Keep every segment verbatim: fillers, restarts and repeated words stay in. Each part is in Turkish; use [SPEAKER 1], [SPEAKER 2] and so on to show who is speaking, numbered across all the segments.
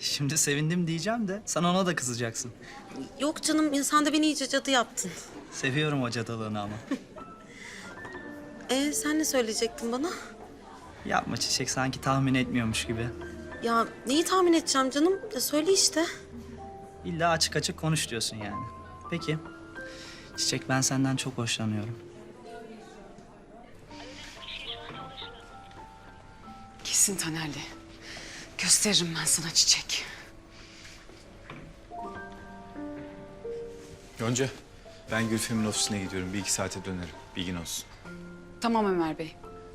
[SPEAKER 1] Şimdi sevindim diyeceğim de sen ona da kızacaksın.
[SPEAKER 2] Yok canım, ya sen de beni iyice cadı yaptın.
[SPEAKER 1] Seviyorum o cadılığını ama.
[SPEAKER 2] Ee, sen ne söyleyecektin bana?
[SPEAKER 1] Yapma Çiçek, sanki tahmin etmiyormuş gibi.
[SPEAKER 2] Ya neyi tahmin edeceğim canım? Ya söyle işte.
[SPEAKER 1] İlla açık açık konuş diyorsun yani. Peki. Çiçek, ben senden çok hoşlanıyorum.
[SPEAKER 3] Kesin Taner'le. Gösteririm ben sana Çiçek.
[SPEAKER 4] Yonca, ben Gülfem'in ofisine gidiyorum. Bir iki saate dönerim. Bilgin olsun.
[SPEAKER 3] Tamam Ömer Bey.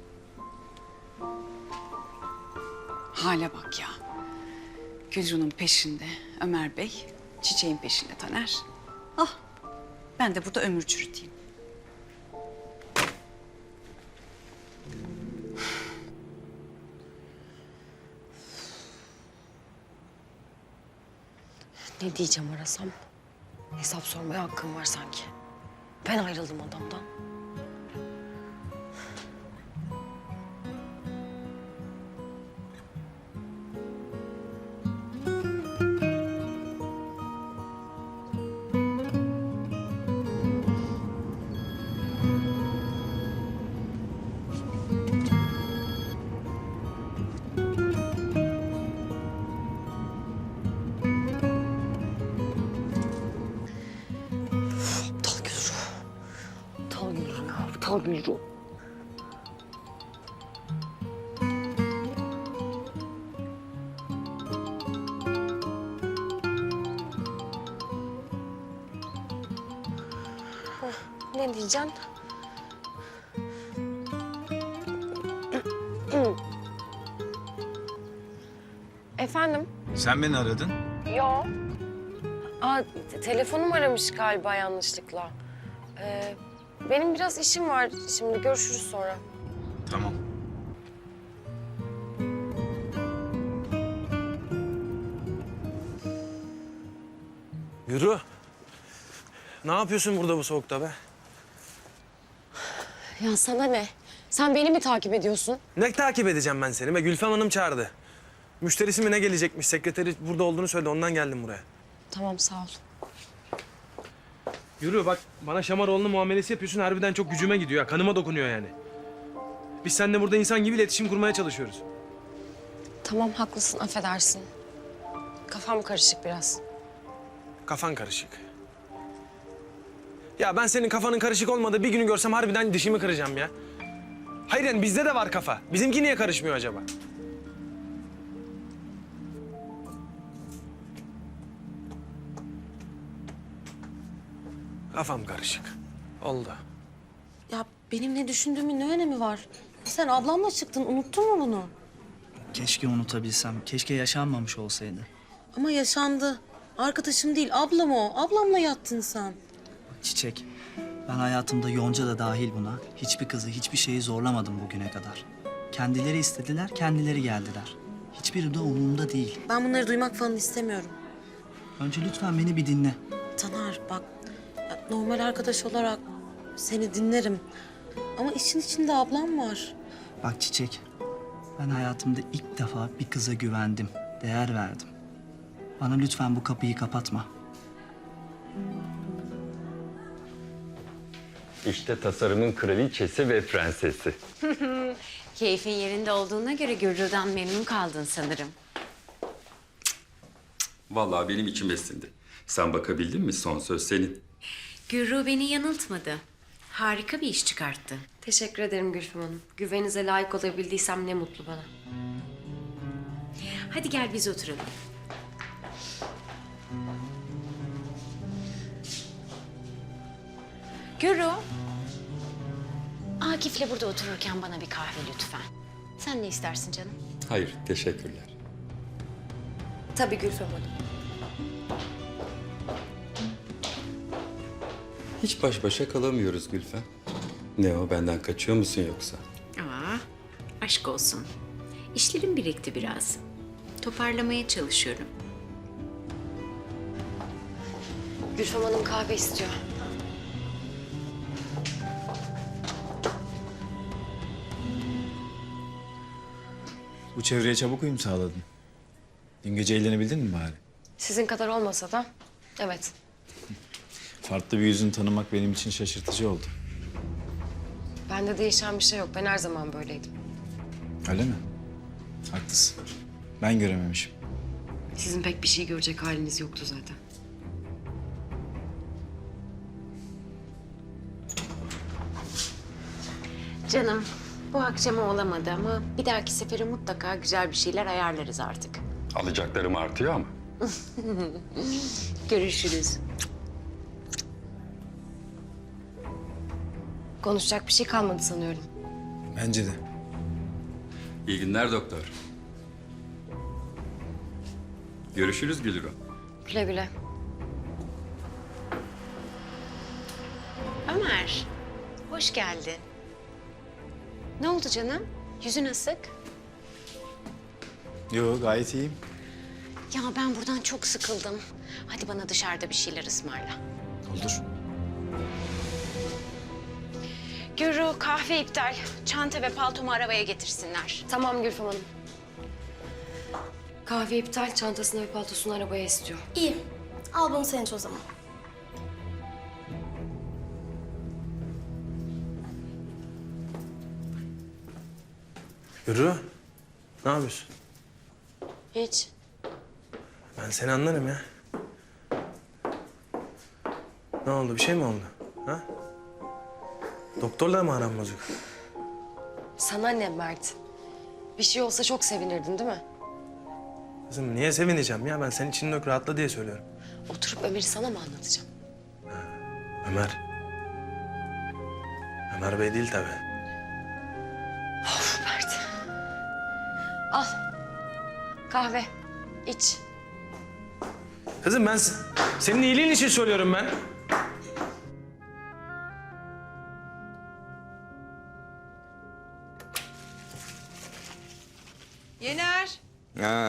[SPEAKER 3] Hale bak ya. Gülru'nun peşinde Ömer Bey, Çiçek'in peşinde Taner. Ah, ben de burada ömür çürüteyim.
[SPEAKER 5] Ne diyeceğim arasam? Hesap sormaya hakkım var sanki. Ben ayrıldım adamdan. Aptal Gülru. Aptal Gülru ya, aptal Gülru. Hah, ne diyeceğim? Efendim?
[SPEAKER 4] Sen beni aradın.
[SPEAKER 5] Yo. Aa, te- telefonum aramış galiba yanlışlıkla. Ee, benim biraz işim var şimdi. Görüşürüz sonra.
[SPEAKER 4] Tamam.
[SPEAKER 6] Yürü. Ne yapıyorsun burada bu soğukta be?
[SPEAKER 5] Ya sana ne? Sen beni mi takip ediyorsun?
[SPEAKER 6] Ne takip edeceğim ben seni be? Gülfem Hanım çağırdı. Müşterisi mi ne gelecekmiş? Sekreteri burada olduğunu söyledi. Ondan geldim buraya.
[SPEAKER 5] Tamam, sağ ol.
[SPEAKER 6] Yürü bak, bana Şamaroğlu'nun muamelesi yapıyorsun. Harbiden çok gücüme gidiyor ya. Kanıma dokunuyor yani. Biz seninle burada insan gibi iletişim kurmaya çalışıyoruz.
[SPEAKER 5] Tamam, haklısın, affedersin. Kafam karışık biraz.
[SPEAKER 6] Kafan karışık. Ya ben senin kafanın karışık olmadığı bir günü görsem harbiden dişimi kıracağım ya. Hayır yani bizde de var kafa. Bizimki niye karışmıyor acaba? Kafam karışık. Oldu.
[SPEAKER 2] Ya benim ne düşündüğümün ne önemi var? Sen ablamla çıktın, unuttun mu bunu?
[SPEAKER 1] Keşke unutabilsem. Keşke yaşanmamış olsaydı.
[SPEAKER 2] Ama yaşandı. Arkadaşım değil, ablam o. Ablamla yattın sen.
[SPEAKER 1] Çiçek, ben hayatımda Yonca da dahil buna hiçbir kızı, hiçbir şeyi zorlamadım bugüne kadar. Kendileri istediler, kendileri geldiler. Hiçbiri de umurumda değil.
[SPEAKER 2] Ben bunları duymak falan istemiyorum.
[SPEAKER 1] Önce lütfen beni bir dinle.
[SPEAKER 2] Taner bak, ya normal arkadaş olarak seni dinlerim. Ama işin içinde ablam var.
[SPEAKER 1] Bak Çiçek, ben hayatımda ilk defa bir kıza güvendim, değer verdim. Bana lütfen bu kapıyı kapatma.
[SPEAKER 7] İşte tasarımın kraliçesi ve prensesi.
[SPEAKER 8] Keyfin yerinde olduğuna göre Gürru'dan memnun kaldın sanırım.
[SPEAKER 7] Vallahi benim içim esindi. Sen bakabildin mi? Son söz senin.
[SPEAKER 8] Gürru beni yanıltmadı. Harika bir iş çıkarttı.
[SPEAKER 5] Teşekkür ederim Gülfem Hanım. Güveninize layık olabildiysem ne mutlu bana.
[SPEAKER 8] Hadi gel biz oturalım. Gürru. Akif'le burada otururken bana bir kahve lütfen. Sen ne istersin canım?
[SPEAKER 7] Hayır, teşekkürler.
[SPEAKER 5] Tabii Gülfem Hanım.
[SPEAKER 7] Hiç baş başa kalamıyoruz Gülfem. Ne o, benden kaçıyor musun yoksa?
[SPEAKER 8] Aa, aşk olsun. İşlerim birikti biraz. Toparlamaya çalışıyorum.
[SPEAKER 5] Gülfem Hanım kahve istiyor.
[SPEAKER 4] Bu çevreye çabuk uyum sağladın. Dün gece eğlenebildin mi bari?
[SPEAKER 5] Sizin kadar olmasa da evet.
[SPEAKER 4] Farklı bir yüzünü tanımak benim için şaşırtıcı oldu.
[SPEAKER 5] Bende değişen bir şey yok. Ben her zaman böyleydim.
[SPEAKER 4] Öyle mi? Haklısın. Ben görememişim.
[SPEAKER 5] Sizin pek bir şey görecek haliniz yoktu zaten.
[SPEAKER 8] Canım, bu akşama olamadı ama bir dahaki sefere mutlaka güzel bir şeyler ayarlarız artık.
[SPEAKER 7] Alacaklarım artıyor ama.
[SPEAKER 8] Görüşürüz.
[SPEAKER 5] Konuşacak bir şey kalmadı sanıyorum.
[SPEAKER 4] Bence de.
[SPEAKER 7] İyi günler doktor. Görüşürüz Gülru.
[SPEAKER 5] Güle güle.
[SPEAKER 8] Ömer, hoş geldin. Ne oldu canım? Yüzün asık.
[SPEAKER 4] Yo, gayet iyiyim.
[SPEAKER 8] Ya ben buradan çok sıkıldım. Hadi bana dışarıda bir şeyler ısmarla.
[SPEAKER 4] Olur.
[SPEAKER 8] Gürü, kahve iptal. Çanta ve paltomu arabaya getirsinler.
[SPEAKER 5] Tamam Gülfem Hanım. Kahve iptal, çantasını ve paltosunu arabaya istiyor.
[SPEAKER 9] İyi. Al bunu sen iç o zaman.
[SPEAKER 6] Yürü. Ne yapıyorsun?
[SPEAKER 5] Hiç.
[SPEAKER 6] Ben seni anlarım ya. Ne oldu? Bir şey mi oldu? Ha? Doktorla mı aran bozuk?
[SPEAKER 5] Sana ne Mert? Bir şey olsa çok sevinirdin değil mi?
[SPEAKER 6] Kızım niye sevineceğim ya? Ben senin için yok rahatla diye söylüyorum.
[SPEAKER 5] Oturup Ömer'i sana mı anlatacağım?
[SPEAKER 6] Ömer. Ömer Bey değil tabii.
[SPEAKER 5] Of Mert. Al. Kahve. İç.
[SPEAKER 6] Kızım ben s- senin iyiliğin için söylüyorum ben.
[SPEAKER 10] Yener,
[SPEAKER 11] Ha,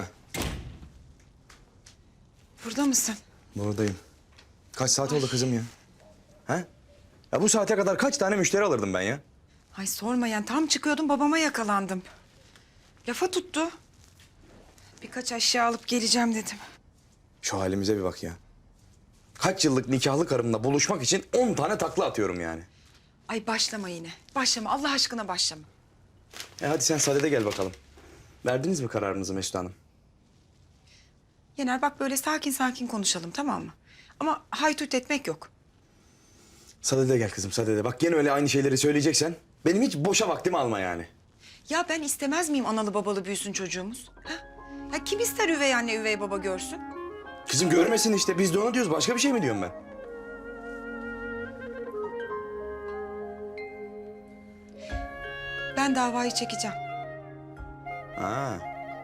[SPEAKER 10] burada mısın?
[SPEAKER 11] buradayım. Kaç saat oldu kızım ya? Ha? Ya bu saate kadar kaç tane müşteri alırdım ben ya?
[SPEAKER 10] Ay sorma yani tam çıkıyordum babama yakalandım. Lafa tuttu. Birkaç aşağı alıp geleceğim dedim.
[SPEAKER 11] Şu halimize bir bak ya. Kaç yıllık nikahlı karımla buluşmak için on tane takla atıyorum yani.
[SPEAKER 10] Ay başlama yine. Başlama Allah aşkına başlama.
[SPEAKER 11] E hadi sen sadede gel bakalım. Verdiniz mi kararınızı Mesut Hanım?
[SPEAKER 10] Yener bak böyle sakin sakin konuşalım tamam mı? Ama haytut etmek yok.
[SPEAKER 11] Sadede gel kızım sadede. Bak gene öyle aynı şeyleri söyleyeceksen benim hiç boşa vaktimi alma yani.
[SPEAKER 10] Ya ben istemez miyim analı babalı büyüsün çocuğumuz? Ha? Ya kim ister üvey anne üvey baba görsün?
[SPEAKER 11] Kızım görmesin işte biz de onu diyoruz. Başka bir şey mi diyorum ben?
[SPEAKER 10] Ben davayı çekeceğim.
[SPEAKER 11] Ha.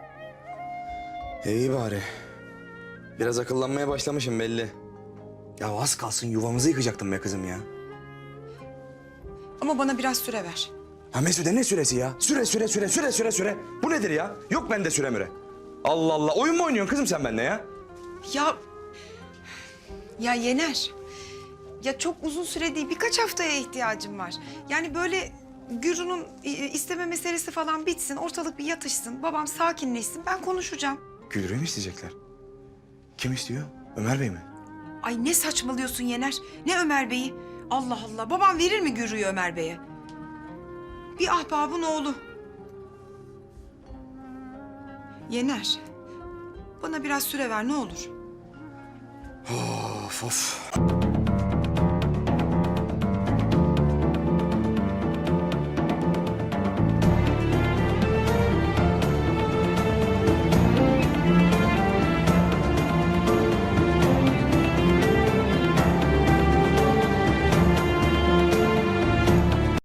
[SPEAKER 11] İyi bari. Biraz akıllanmaya başlamışım belli. Ya az kalsın yuvamızı yıkacaktım be kızım ya.
[SPEAKER 10] Ama bana biraz süre ver.
[SPEAKER 11] Ha Mesude ne süresi ya? Süre süre süre süre süre süre. Bu nedir ya? Yok bende süre müre. Allah Allah. Oyun mu oynuyorsun kızım sen benimle ya?
[SPEAKER 10] Ya... Ya Yener. Ya çok uzun süre değil, birkaç haftaya ihtiyacım var. Yani böyle Gürü'nün i- isteme meselesi falan bitsin, ortalık bir yatışsın, babam sakinleşsin, ben konuşacağım.
[SPEAKER 11] Gülrü'yü mü isteyecekler? Kim istiyor? Ömer Bey mi?
[SPEAKER 10] Ay ne saçmalıyorsun Yener, ne Ömer Bey'i? Allah Allah, babam verir mi Gürü'yü Ömer Bey'e? Bir ahbabın oğlu. Yener, bana biraz süre ver ne olur.
[SPEAKER 11] Of of.